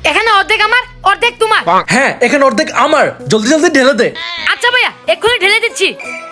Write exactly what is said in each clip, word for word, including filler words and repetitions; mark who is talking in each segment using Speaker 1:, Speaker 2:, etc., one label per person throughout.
Speaker 1: এখানে অর্ধেক আমার অর্ধেক তোমার।
Speaker 2: হ্যাঁ এখানে অর্ধেক আমার, জলদি জলদি ঢেলে দে।
Speaker 1: আচ্ছা ভাইয়া এক্ষুনি ঢেলে দিচ্ছি।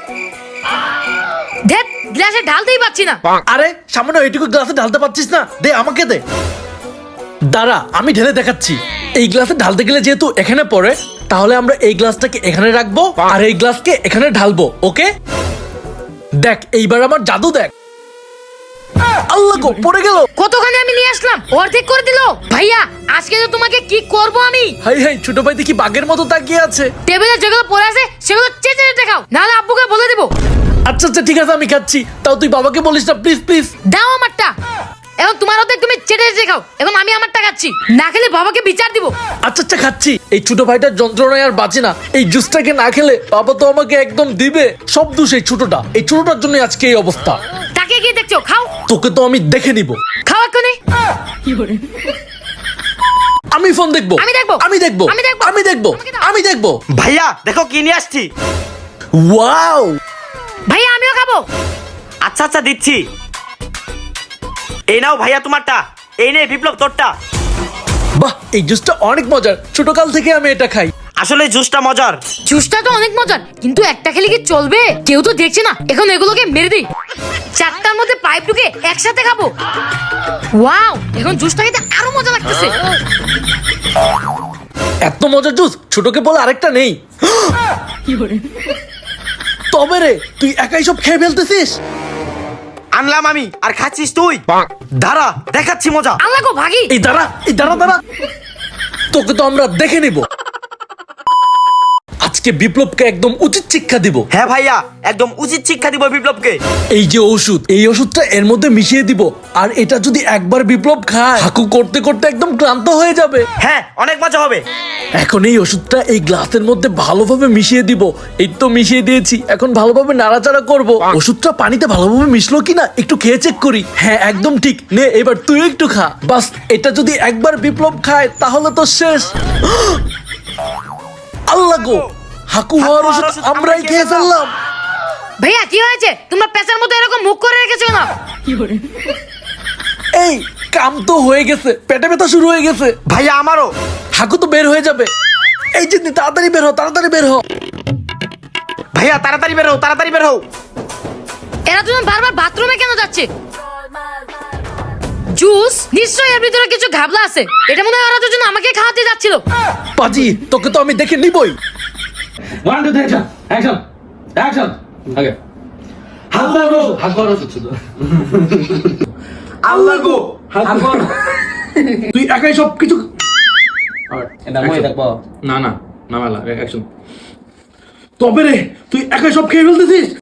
Speaker 1: দেখ গ্লাসে ঢালতেই পাচ্ছি না।
Speaker 2: আরে সামান্য এইটুকু গ্লাসে ঢালতে পারছিস না, দে আমাকে দে। দাঁড়া আমি ঢেলে দেখাচ্ছি। এই গ্লাসে ঢালতে গেলে যেহেতু এখানে পড়ে, তাহলে আমরা এই গ্লাসটাকে এখানে রাখবো আর এই গ্লাসকে এখানে ঢালবো। ওকে দেখ এইবার আমার জাদু দেখ। আল্লাহ গো পড়ে গেল।
Speaker 1: কতখানি আমি নিয়ে আসলাম, অর্ধেক করে দিল। ভাইয়া আজকে তো তোমাকে কি করব আমি।
Speaker 2: হাই হাই ছোট ভাই দেখি বাঘের মতো তাকিয়ে আছে।
Speaker 1: টেবিলে যেগুলো পড়ে আছে সেগুলো চেটে চেটে খাও, নাহলে আব্বুকে বলে দেবো।
Speaker 2: আচ্ছা আচ্ছা ঠিক আছে আমি খাচ্ছি, তাও তুই বাবাকে বলিস না প্লিজ প্লিজ।
Speaker 1: দাও আমারটা। এখন তোমার অর্ধেক তুমি চেটে চেটে খাও, এখন আমি আমারটা খাচ্ছি, না খেলে বাবাকে বিচার দিব।
Speaker 2: আচ্ছা আচ্ছা খাচ্ছি। এই ছোট ভাইটার যন্ত্রণায় আর বাঁচি না। এই জুসটাকে না খেলে বাবা তো আমাকে একদম দিবে। সব দোষ এই ছোটটা, এই ছোটটার জন্য আজকে এই অবস্থা।
Speaker 1: তাকে কি দেখছো, খাও।
Speaker 2: তোকে তো আমি দেখে নিব।
Speaker 1: খাও এক্ষুনি।
Speaker 2: আমি ফোন দেখবো,
Speaker 1: আমি দেখবো,
Speaker 2: আমি দেখবো,
Speaker 1: আমি দেখবো,
Speaker 2: আমি দেখবো,
Speaker 1: আমাকে দাও।
Speaker 2: আমি দেখবো।
Speaker 3: ভাইয়া দেখো কি নিয়ে আসছি।
Speaker 2: ওয়াও
Speaker 1: ভাইয়া আমিও খাবো।
Speaker 3: আচ্ছা আচ্ছা দিচ্ছি। এই নাও ভাইয়া তোমারটা, এই নে বিপ্লব তোরটা।
Speaker 2: বাহ এই জুসটা অনেক মজার, ছোটকাল থেকে আমি এটা খাই।
Speaker 3: আসলে জুসটা মজার।
Speaker 1: জুসটা তো অনেক মজার, কিন্তু একটা খেলে কি চলবে? কেউ তো দেখছে না। এখন এগুলোকে মেরে দিই। চারটার মধ্যে পাইপ ঢুকে একসাথে খাবো। ওয়াও এখন জুসটা খেতে আরো মজা লাগতেছে।
Speaker 2: এত মজার জুস ছোটকে বলে আরেকটা নেই। তবে রে তুই একাই সব খেয়ে ফেলতেছিস।
Speaker 3: আনলাম আমি আর খাচ্ছিস তুই। দাঁড়া দেখাচ্ছি মজা।
Speaker 1: আল্লাহ গো ভাগি।
Speaker 2: এই দাঁড়া, এই দাঁড়া দাঁড়া, তোকে তো আমরা দেখে নিব। আজকে বিপ্লবকে একদম উচিত শিক্ষা দিব।
Speaker 3: হ্যাঁ ভাইয়া একদম উচিত শিক্ষা দিব বিপ্লবকে।
Speaker 2: এই যে ওষুধ, এই ওষুধটা এর মধ্যে মিশিয়ে দিব, আর এটা যদি একবার বিপ্লব খায় হাকু করতে করতে একদম ক্লান্ত হয়ে যাবে।
Speaker 3: হ্যাঁ অনেক মজা হবে।
Speaker 2: এখন এই ওষুধটা এই গ্লাসের মধ্যে ভালোভাবে মিশিয়ে দিব। এই তো মিশিয়ে দিয়েছি, এখন ভালোভাবে নাড়াচাড়া করব। ওষুধটা পানিতে ভালোভাবে মিশলো কিনা একটু খেয়ে চেক করি। হ্যাঁ একদম ঠিক, নে এবার তুই একটু খা। বাস এটা যদি একবার বিপ্লব খায় তাহলে তো শেষ। আল্লাহ গো হাকু হওয়ার ওষুধ আমরাই খেয়ে ফেললাম।
Speaker 1: ভাইয়া কি হয়েছে? তোমরা পেঁচার মতো এরকম মুখ করে রেখেছো না?
Speaker 2: এই কাম তো হয়ে গেছে, পেটে ব্যথা শুরু হয়ে গেছে।
Speaker 3: ভাইয়া আমারও।
Speaker 2: হাকু তো বের হয়ে যাবে। এই যে তাড়াতাড়ি বের হ, তাড়াতাড়ি বের হ।
Speaker 3: ভাইয়া তাড়াতাড়ি বের হও, তাড়াতাড়ি বের হও।
Speaker 1: এরা দুজন বারবার বাথরুমে কেন যাচ্ছে? জুস নিশ্চয়ই এর ভিতরে কিছু ঘাবলা আছে। এটা মনে হয় ওরা দুজন আমাকে খাওয়াতে যাচ্ছিল।
Speaker 2: পাজি তোকে তো আমি দেখে নিবই।
Speaker 4: One, two, three, action! Action! Action! Okay. হাকবার হাকবার শুধু
Speaker 3: আল্লাহ গো।
Speaker 4: হাকবার
Speaker 2: তুই একাই সব কিছু।
Speaker 4: এটা মই দেখবো না না না মালা অ্যাকশন
Speaker 2: তবে রে তুই একাই সব খেয়ে ফেলতেছিস।